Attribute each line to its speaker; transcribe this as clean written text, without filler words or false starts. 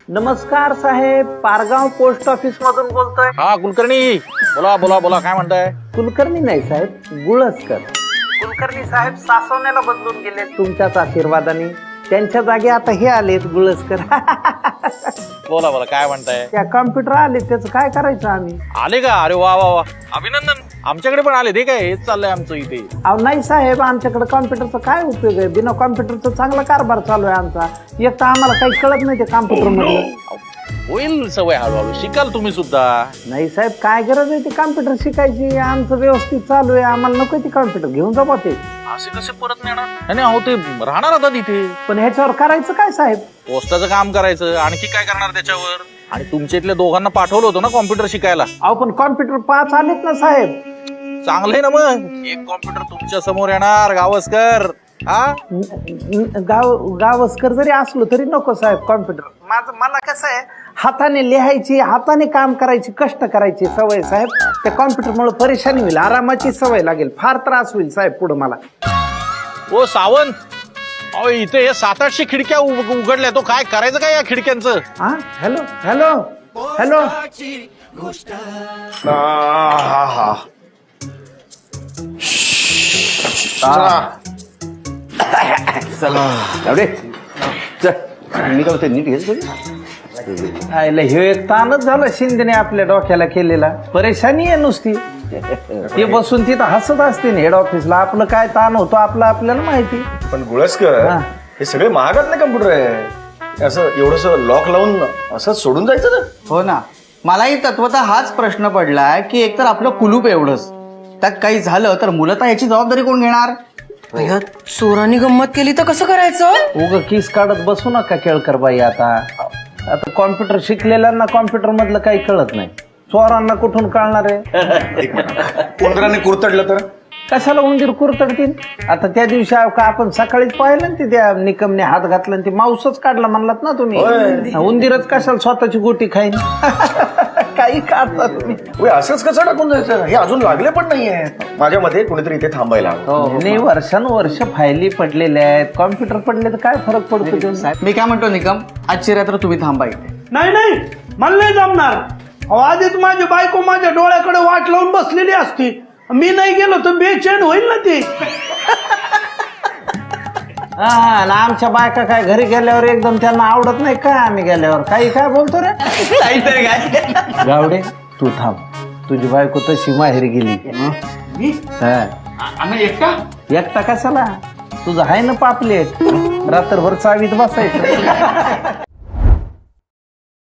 Speaker 1: नमस्कार साहेब, Pargaon post office मधून बोलतोय.
Speaker 2: हा कुलकर्णी, बोला बोला बोला, काय म्हणताय?
Speaker 1: कुलकर्णी नाही साहेब, गुळसकर. कुलकर्णी साहेब सासवण्याला बदलून गेले तुमच्याच आशीर्वादाने. त्यांच्या जागी आता हे आलेत गुळसकर.
Speaker 2: बोला बोला, काय म्हणताय?
Speaker 1: त्या कॉम्प्युटर आले, त्याचं काय करायचं आम्ही?
Speaker 2: आले का? अरे वा वा वा, अभिनंदन. आमच्याकडे पण आले. ते काय, हेच चाललंय आमचं इथे.
Speaker 1: अहो नाही साहेब, आमच्याकडे कॉम्प्युटरचा काय उपयोग आहे? बिना कॉम्प्युटरचा चांगला कारभार चालू आहे आमचा. एक तर आम्हाला काही कळत नाही ते कॉम्प्युटर मधलं.
Speaker 2: होईल सवय, हळूहळू शिकाल तुम्ही सुद्धा.
Speaker 1: नाही साहेब, काय गरज आहे ते कॉम्प्युटर शिकायची? आमचं व्यवस्थित चालू आहे, आम्हाला नको ते कॉम्प्युटर. घेऊन जा ते.
Speaker 2: असे कसे परत नेणार? नाही अहो, ते राहणार आता तिथे.
Speaker 1: पण ह्याच्यावर करायचं काय साहेब?
Speaker 2: पोस्टाचं काम करायचं, आणखी काय करणार त्याच्यावर? आणि तुमच्या इथल्या दोघांना पाठवलं होतं ना कॉम्प्युटर शिकायला.
Speaker 1: अहो पण कॉम्प्युटर 5 आलेत ना साहेब.
Speaker 2: चांगलंय ना मग. एक कॉम्प्युटर तुमच्या समोर येणार, गावस्कर. हा,
Speaker 1: गावस्कर जरी असलो तरी नको साहेब कॉम्प्युटर. मला कसं आहे, हाताने लिहायची, हाताने काम करायची, कष्ट करायची सवय साहेब. त्या कॉम्प्युटरमुळे परेशानी होईल, आरामाची सवय लागेल, फार त्रास होईल साहेब पुढे मला.
Speaker 2: ओ सावंत, अहो इथे हे 700-800 खिडक्या उघडल्या. तो काय करायचं काय या खिडक्यांचं?
Speaker 1: हा, हॅलो हॅलो हॅलो.
Speaker 3: मी काय नीट घेतो.
Speaker 1: आयला हे एक ताणच झालं शिंदेने आपल्या डोक्याला केलेला. परेशानी आहे नुसती. ते बसून तिथं हसत असते हेड ऑफिसला. आपलं काय ताण होतो आपलं आपल्याला माहिती.
Speaker 3: पण गुळसकर, हे सगळे महागातले कम्प्युटर आहे. असं एवढस लॉक लावून असं सोडून जायचं ना?
Speaker 4: हो ना, मलाही तत्वतः हाच प्रश्न पडलाय की एकतर आपलं कुलूप एवढंच, त्यात काही झालं तर मूलतः याची जबाबदारी कोण घेणार?
Speaker 5: चोरांनी गंमत केली तर कसं करायचं?
Speaker 1: उग किस काढत बसू नका केळकर बाई. आता कॉम्प्युटर शिकलेल्यांना कॉम्प्युटर मधलं काही कळत नाही, चोरांना कुठून कळणार आहे?
Speaker 3: उंदराने कुरतडलं तर?
Speaker 1: कशाला उंदीर कुरतडतील? आता त्या दिवशी का आपण सकाळीच पाहिलं ना, त्या निकमने हात घातला आणि ते माऊसच काढला म्हणलात ना तुम्ही. उंदीरच कशाला स्वतःची गोटी खाईन? काही काढता तुम्ही.
Speaker 3: असंच कसं टाकून जायचं? हे अजून लागले पण नाहीये. माझ्या मते कोणीतरी इथे थांबायला हवं.
Speaker 1: नाही, वर्षानुवर्ष फायली पडलेल्या आहेत. कॉम्प्युटर पडले तर काय फरक पडतो?
Speaker 4: मी काय म्हणतो निकम, आजची रात्र तुम्ही थांबा इथे.
Speaker 6: नाही नाही, मला नाही जमणार. आधीच माझी बायको माझ्या डोळ्याकडे वाट लावून बसलेली असती. मी नाही गेलो तर बेचैन होईल ना ती.
Speaker 1: हा, ना आमच्या बायका काय घरी गेल्यावर एकदम त्यांना आवडत नाही काय? आम्ही गेल्यावर काही काय बोलतो रे?
Speaker 4: काहीतरी काय.
Speaker 1: गावडे तू थांब, तुझी बायको तशी माहेरी गेली.
Speaker 6: आम्ही एकटा
Speaker 1: एकटा कशाला? तुझं आहे ना पापलेट, रात्रभर चावीत बसायचं.